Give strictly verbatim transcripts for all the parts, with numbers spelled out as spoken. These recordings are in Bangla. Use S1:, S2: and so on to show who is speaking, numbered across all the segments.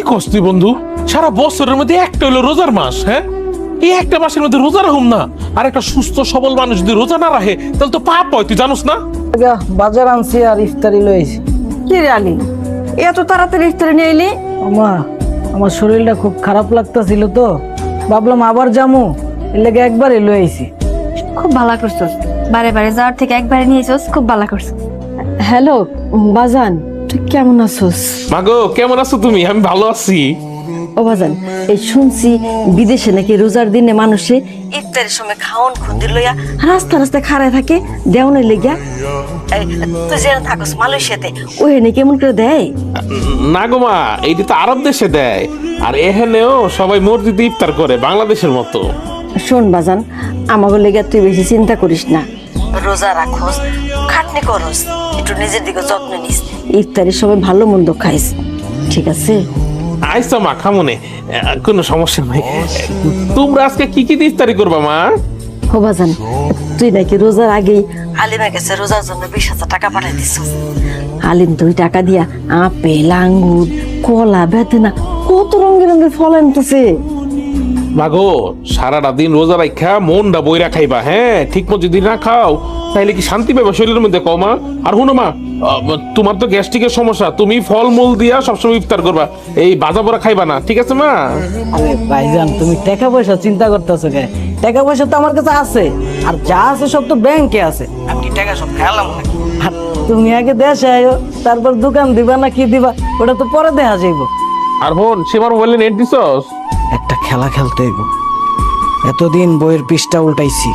S1: কস তুই বন্ধু? সারা বছরের মধ্যে একটা হলো রোজার মাস, হ্যাঁ? এই একটা মাসের মধ্যে রোজা রাখুম না, আর একটা সুস্থ সবল মানুষ যদি রোজা না রাখে তাহলে তো পাপ হয়, তুই জানোস না?
S2: বাজার আনছি আর ইফতারি লইছি।
S3: কি রে আলী, এত তাড়াতাড়ি ইফতারি নিয়ে এলি?
S2: আমা, আমার শরীরটা খুব খারাপ লাগতাছিল তো ভাবলাম আবার যামু, এর লেগে একবারই লইছি।
S3: খুব ভালো করছস, বারে বারে যাওয়ার থেকে একবারে নিয়েছস, খুব ভালো করছস।
S4: হ্যালো বাজান, তুই কেমন আছোস?
S1: মাগো কেমন আছো তুমি? আমি ভালো আছি।
S4: ও বাজান, এই শুনছি বিদেশে নাকি রোজার দিনে মানুষে ইফতারের সময় খাওন খুন্দি লইয়া রাস্তা রাস্তায় খাড়ায় থাকে দেওয়ানের লেগিয়া। এই, তুই যেন থাকস মালয়েশিয়াতে, ওখানে কেমন করে দেয়?
S1: না গো মা, এইটা তো আরব দেশে দেয়, আর এখানেও সবাই মসজিদে ইফতার করে বাংলাদেশের মতো।
S4: শোন বাজান, আমাকে লেগে তুই বেশি চিন্তা করিস না। রোজা রাখোস, খাটনি করস, একটু নিজের দিকে যত্ন নিস, ইফতারের সময় ভালো মন্দ খাইস, ঠিক আছে?
S1: আইসা মা, খামনে, কোনো সমস্যা নাই। তোমরা আজকে কি কি দিয়ে ইফতারি করবা মা?
S4: হো বাজান, তুই নাকি রোজার আগেই আলিমের কাছে রোজার জন্য বিশ হাজার টাকা পাঠাই দিস। আলিম দুই টাকা দিয়া আপেল, আঙ্গুর, কলা, বেদানা কত রঙের রঙের ফল আনতেছে।
S1: মাগো, সারাটা দিন রোজা রাখা মনটা বইরা খাইবা, হ্যাঁ? ঠিক মতো যদি না খাও তাহলে কি শান্তি পাবে শরীরের মধ্যে? কও মা। আর হুনো মা, তোমার তো গ্যাস্ট্রিকের সমস্যা, তুমি ফলমূল দিয়া সবসময় ইফতার করবা, এই বাজা পোড়া খাইবা না, ঠিক আছে মা?
S2: আরে ভাইজান, তুমি টাকা পয়সা চিন্তা করতেছো কে? টাকা পয়সা তো আমার কাছে আছে, আর যা আছে সব তো ব্যাংকে আছে। আমি টাকা সব খেলাম নাকি? আর তুমি আগে দেশে আয়ো, তারপর দোকান দিবা না কি দিবা ওটা তো পরে দেখা যাইব।
S1: আর হন, সেবার মোবাইলে নেট দিছস?
S2: একটা খেলা খেলতে হইব। এতদিন বইয়ের পৃষ্ঠা উল্টাইছি,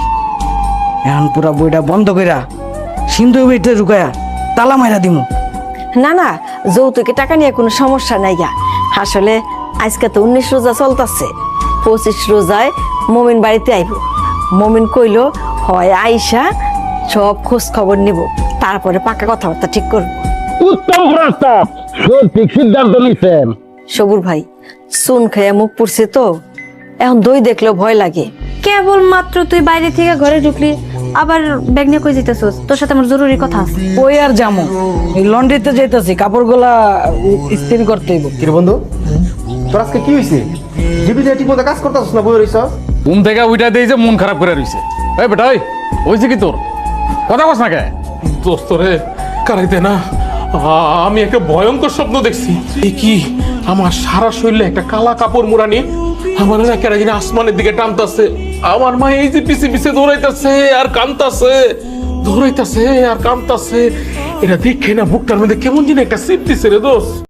S2: এখন পুরা বইটা বন্ধ কইরা সিন্ধু বইতে ঢুকায়া তালা মাইরা দিমু।
S4: না না, যৌতুকে টাকা নিয়ে কোনো সমস্যা নাই গা। আসলে আজকে তো উনিশ রোজা চলতেছে, পঁচিশ রোজায় মমিন বাড়িতে আইব। মমিন কইল হয় আইসা সব খোঁজ খবর নিব, তারপরে পাকা কথাবার্তা ঠিক করব।
S5: উত্তম প্রস্তাব, সঠিক সিদ্ধান্ত নিছেন।
S4: সবুর ভাই, চুন খাইয়া মুখ পুড়ছে তো, এখন দই দেখলেও ভয় লাগে।
S3: কেবল মাত্র তুই বাইরে থেকে ঘরে ঢুকলি, আবার ব্যাগ নিয়ে কই যেতেছস? তোর সাথে আমার জরুরি কথা আছে।
S2: ওই আর জামু, এই লন্ড্রিতে যাইতাছি, কাপড়গুলা ইস্ত্রি করতে হইব।
S6: কি রে বন্ধু, তোর আজকে কি হয়েছে? জীবিত ঠিক মতো কাজ করতেছিস না, বই রইছ?
S7: ঘুম থেকে উইটা দিয়ে যে মন খারাপ করে রইছে। এই বেটা, ওই হইছে কি তোর? কথা কস না কে?
S1: দোস্ত রে, কারাইতে না, আ- আমি একটা ভয়ঙ্কর স্বপ্ন দেখছি। এ কি, আমার সারা শরীরে একটা কালা কাপড় মুড়ানি আমার না কেন জানি আসমানের দিকে টানতাছে। আমার মা এই যে পিছে পিছে দৌড়াইতাছে আর কানতাছে, দৌড়াইতাছে আর কানতাছে। এটা দেখে না বুকটার মধ্যে কেমন যেন একটা সিপ দিছে রে দোস্ত।